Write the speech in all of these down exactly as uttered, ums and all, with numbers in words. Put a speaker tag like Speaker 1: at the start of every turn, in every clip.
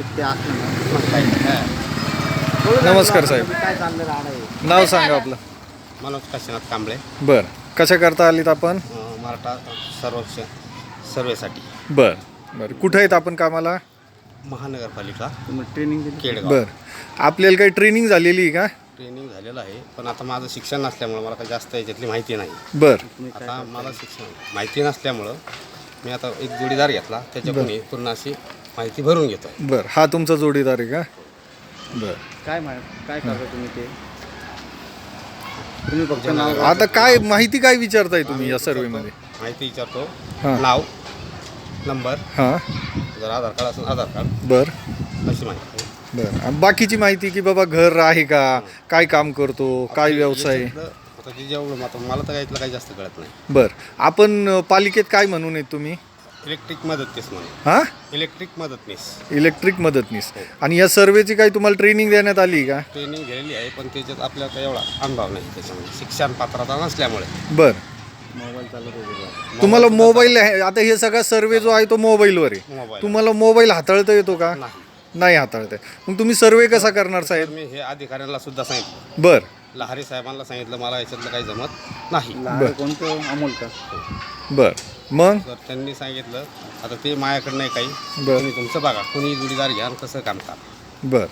Speaker 1: ते असलं ना मग काही नाही.
Speaker 2: नमस्कार साहेब.
Speaker 1: काय चाललं राहणं आहे?
Speaker 2: नाव सांगा आपलं.
Speaker 3: मनोज काशीनाथ कांबळे.
Speaker 2: बर, कशा करता आलीत आपण?
Speaker 3: अं, मराठा सर्वेक्षण सर्वेसाठी
Speaker 2: बर बर, कुठं आहेत आपण कामाला?
Speaker 3: महानगरपालिका
Speaker 1: तुम्ही ट्रेनिंग दिली?
Speaker 3: केडगाव.
Speaker 2: बर, आपल्याला काही ट्रेनिंग झालेली आहे का?
Speaker 3: ट्रेनिंग झालेलं आहे, पण आता माझं शिक्षण नसल्यामुळं मला काही जास्त याच्यातली माहिती नाही.
Speaker 2: बर
Speaker 1: तुम्ही काय
Speaker 3: आता मला शिक्षण माहिती नसल्यामुळं मी आता एक जोडीदार घेतला, त्याच्याकडून पूर्ण अशी माहिती भरून घेतो.
Speaker 2: बर, हा तुमचा जोडीदार आहे का? बर,
Speaker 1: काय मा काय करता तुम्ही ते? तुम्ही फक्त नाव
Speaker 2: आता काय माहिती काय विचारताय तुम्ही या सर्वेमध्ये?
Speaker 3: माहिती विचारतो,
Speaker 2: हां.
Speaker 3: नाव, नंबर,
Speaker 2: हां.
Speaker 3: जर आधार कार्ड असेल आधार कार्ड,
Speaker 2: बर
Speaker 3: अशी माहिती.
Speaker 2: बर, आणि बाकीची माहिती की बाबा घर आहे का, काय काम करतो, काय व्यवसाय?
Speaker 3: याच्यातलं आता जे जेवढं आता मला तर यातलं काही जास्त कळत नाही.
Speaker 2: बर, आपण अ, पालिकेत काय म्हणून आहेत तुम्ही?
Speaker 3: इलेक्ट्रिक मदतनीस म्हणून.
Speaker 2: हां,
Speaker 3: इलेक्ट्रिक मदतनीस
Speaker 2: इलेक्ट्रिक मदतनीस. आणि या सर्वेची काही तुम्हाला ट्रेनिंग देण्यात आली का?
Speaker 3: ट्रेनिंग घेतलेली आहे, पण त्याच्यात आपल्याला काही एवढा अनुभव नाही त्याच्यामध्ये, शिक्षण पात्रता नसल्यामुळे.
Speaker 2: बर,
Speaker 1: मोबाईल चालत होते.
Speaker 2: तुम्हाला मोबाईल आहे, आता हे सगळा सर्वे जो आहे तो मोबाईलवर आहे.
Speaker 3: मोबाईल
Speaker 2: तुम्हाला मोबाईल हाताळता येतो का?
Speaker 3: नाही.
Speaker 2: नाही हाताळता येत. मग तुम्ही सर्वे कसा करणार
Speaker 3: तर
Speaker 2: साहेब?
Speaker 3: मी हे अधिकाऱ्यांना सुद्धा सांगितलं,
Speaker 2: बर
Speaker 3: लहारी साहेबांना सांगितलं, मला याच्यातलं काही जमत नाही.
Speaker 1: लहान कोणतं अमोल का?
Speaker 2: बर, मग
Speaker 3: तर त्यांनी सांगितलं आता ते माझ्याकडं नाही काही,
Speaker 2: बर.
Speaker 3: तुम्ही तुमचं बघा, कोणी जोडीदार घ्या आणि कसं काम करा.
Speaker 2: बर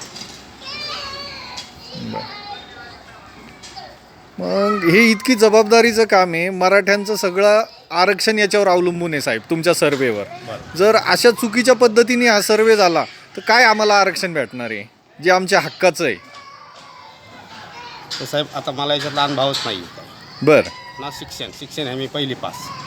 Speaker 2: बर. मग हे इतकी जबाबदारीचं काम आहे, मराठ्यांचं सगळं आरक्षण याच्यावर अवलंबून आहे साहेब, तुमच्या सर्वेवर. जर अशा चुकीच्या पद्धतीने हा सर्वे झाला तर काय आम्हाला आरक्षण भेटणार आहे जे आमच्या हक्काचं आहे?
Speaker 3: तर साहेब आता मला याच्यातला अनुभवच नाही.
Speaker 2: बर
Speaker 3: ना शिक्षण शिक्षण आहे मी पहिली पास.